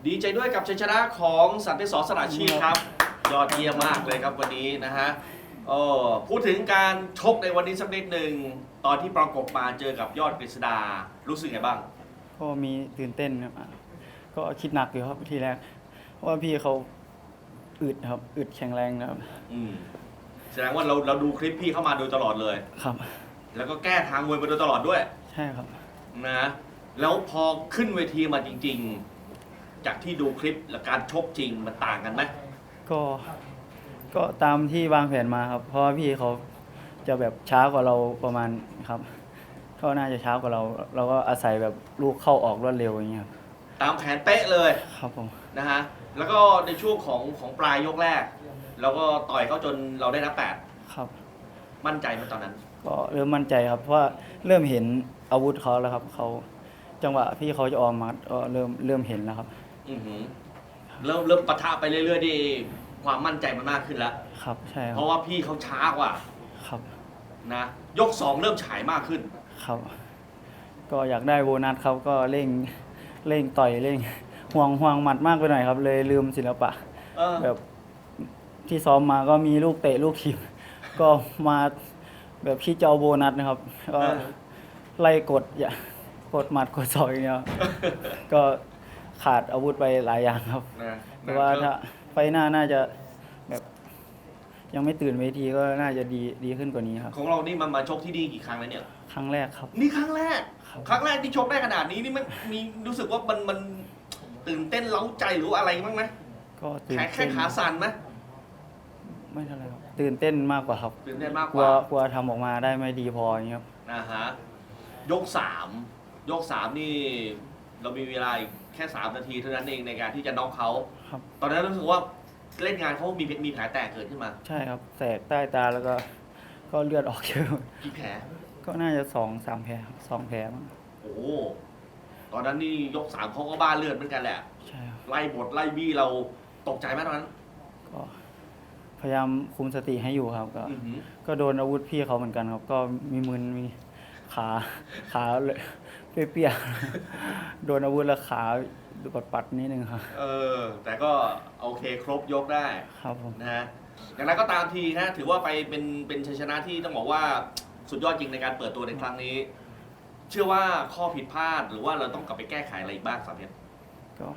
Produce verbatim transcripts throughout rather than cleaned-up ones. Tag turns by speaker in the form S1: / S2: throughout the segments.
S1: ดีใจด้วยกับชัยชนะของสันติสอสระชีพครับยอดเยี่ยมมากเลยครับวันนี้นะฮะโอ้พูดถึงการชกในวันนี้สักนิดหนึ่งตอนที่ประกบมาเจอกับยอดกฤษดารู้สึกไงบ้าง
S2: ก็มีตื่นเต้นครับก็คิดหนักอยู่ครับทีแรกเพราะว่าพี่เขาอึดครับอึดแข็งแรงนะครับ
S1: อืมแสดงว่าเราเราดูคลิปพี่เข้ามาโดยตลอดเลย
S2: ครับ
S1: แล้วก็แก้ทางมวยมาโดยตลอดด้วย
S2: ใช่ครับ
S1: นะแล้วพอขึ้นเวทีมาจริงๆจากที่ดูคลิปและการชกจริงมันต่างกันไหม
S2: ก็ก็ตามที่วางแผนมาครับเพราะว่าพี่เขาจะแบบช้ากว่าเราประมาณครับเขาน่าจะช้ากว่าเราเราก็อาศัยแบบลูกเข้าออกรวดเร็วอย่างเงี้ยครับ
S1: ตามแผนเป๊ะเลย
S2: ครับผม
S1: นะฮะแล้วก็ในช่วงของของปลายยกแรกเราก็ต่อยเขาจนเราได้นับแปด
S2: ครับ
S1: มั่นใจมาตอนนั้น
S2: ก็เริ่มมั่นใจครับเพราะว่าเริ่มเห็นอาวุธเขาแล้วครับเขาจังหวะพี่เขาจะออมมาก็เริ่มเริ่มเห็นแล้วครับ
S1: อือหือเริ่มเริ่มปะทะไปเรื่อยๆดีความมั่นใจมันมากขึ้นแล้ว
S2: ครับใช่ครับ
S1: เพราะว่าพี่เขาช้ากว่า
S2: ครับ
S1: นะยกสองเริ่มฉายมากขึ้น
S2: ครับก็อยากได้โบนัสครับก็เร่งเร่งต่อยเร่งห่วงห่วงหมัดมากไปหน่อยครับเลยลืมศิลปะแบบที่ซ้อมมาก็มีลูกเตะลูกถีบก็มาแบบที่เจ้าโบนัสนะครับก็ไล่กดอย่ากดหมัดกดศอกอย่างเงี้ยก็ขาดอาวุธไปหลายอย่างครับแต่ว่าถ้าไฟหน้าน่าจะแบบยังไม่ตื่นเวทีก็น่าจะดีดีขึ้นกว่านี้ครับ
S1: ของเรานี่มันมาชกที่นี่กี่ครั้งแล้วเนี่ย
S2: ครั้งแรกครับ
S1: นี่ครั้งแรกครั้งแรกที่ชกได้ขนาดนี้นี่มันมีรู้สึกว่ามันมันตื่นเต้นเล้าใจหรืออะไรบ้างไหม
S2: ก็ตื่นเต้น
S1: แค่ขาสั่นไหม
S2: ไม่เท่าไรครับตื่นเต้นมากกว่าครับ
S1: ตื่นเต้นมาก
S2: ก
S1: กว่าก
S2: ลัวทำออกมาได้ไม่ดีพออย่างเงี้ยครับ
S1: นะฮะยกสามยกสามนี่เรามีเวลาแค่สามนาทีเท่านั้นเองในการที่จะน็อกเขา
S2: ครับ
S1: ตอนนั้นรู้สึกว่าเล่นงานเขามีมีแผลแตกเกิดขึ้นมา
S2: ใช่ครับแสกใต้ตาแล้วก็ก็เลือดออกเยอะ
S1: กี่แผล
S2: ก็น่าจะสองสามแผลสองแผลมั้ง
S1: โอ้ตอนนั้นนี่ยกสามเขาก็บ้าเลือดเหมือนกันแหละ
S2: ใช่ครับ
S1: ไล่บทไล่บี้เราตกใจไหมตอนนั้น
S2: ก็พยายามคุมสติให้อยู่ครับก็ก็โดนอาวุธพี่เขาเหมือนกันครับก็มีมือมีขาขาเลยเปียกๆโดนอาวุธแล้วขาปัดปัดนิดนึงครับ
S1: เออแต่ก็โอเคครบยกได้
S2: ครับผม
S1: นะฮะอย่างไรก็ตามทีนะถือว่าไปเป็นเป็นชัยชนะที่ต้องบอกว่าสุดยอดจริงในการเปิดตัวในครั้งนี้เชื่อว่าข้อผิดพลาดหรือว่าเราต้องกลับไปแก้ไขอะไรอีกบ้างสามเพชร
S2: ก็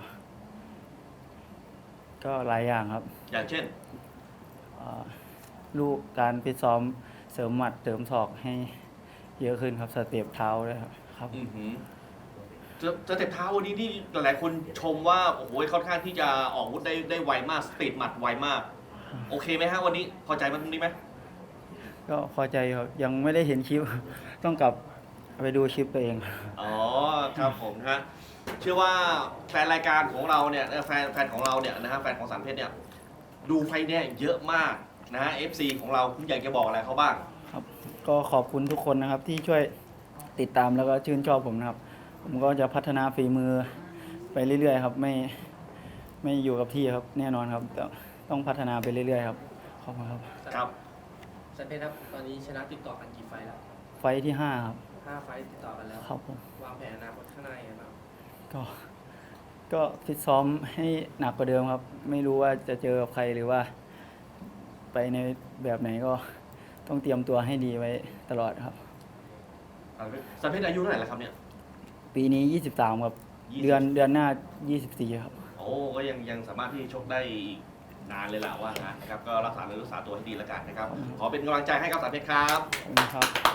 S2: ก็หลายอย่างครับ
S1: อย่างเช่น
S2: ลูกการฟิตซ้อมเสริมหมัดเสริมศอกให้เยอะขึ้นครับสเต็ปเท้าด้วยครับครับ
S1: สเต็ปเท้าวันนี้ที่หลายๆคนชมว่าโอ้โหค่อนข้างที่จะออกอาวุธได้ได้ไวมากสปีดหมัดไวมากโอเคไหมฮะวันนี้พอใจมันตรงนี้ไหม
S2: ก็พอใจครับยังไม่ได้เห็นคลิปต้องกลับไปดูคลิปตัวเอง
S1: อ๋อครับผมฮะเชื่อว่าแฟนรายการของเราเนี่ยแฟนแฟนของเราเนี่ยนะฮะแฟนของสามเพชรเนี่ยดูไฟเนี่ยเยอะมากนะฮะ เอฟ ซี ของเราคุณอยากจะบอกอะไรเขาบ้าง
S2: ครับก็ขอบคุณทุกคนนะครับที่ช่วยติดตามแล้วก็ชื่นชอบผมนะครับผมก็จะพัฒนาฝีมือไปเรื่อยๆครับไม่ไม่อยู่กับที่ครับแน่นอนครับต้องพัฒนาไปเรื่อยๆครับขอบคุณครับ
S1: ครับ
S3: สันเพชรครับตอนนี้ชนะติดต่อกันกี่ไฟแล้ว
S2: ไฟที่ห้าครับ
S3: ห้าไฟติดต่อกันแล้ว
S2: ครับผม
S3: วางแผนอนาคตข้างหน้ายังไงบ้าง
S2: ก็ก็ฟิตซ้อมให้หนักกว่าเดิมครับไม่รู้ว่าจะเจอกับใครหรือว่าไปในแบบไหนก็ต้องเตรียมตัวให้ดีไว้ตลอดครับ
S1: สันเพชรอายุเท่าไหร่แล้วครับเนี่ย
S2: ปีนี้ยี่สิบสามครับเดือนเดือนหน้ายี่สิบสี่ครับ
S1: โอ้ก็ยังยังสามารถที่ชกได้นานเลยล่ะว่างั้นนะครับก็รักษาเนื้อรักษาตัวให้ดีแล้วกันนะครับขอเป็นกำลังใจให้กับสันเพชรครับ
S2: ขอบคุณครับ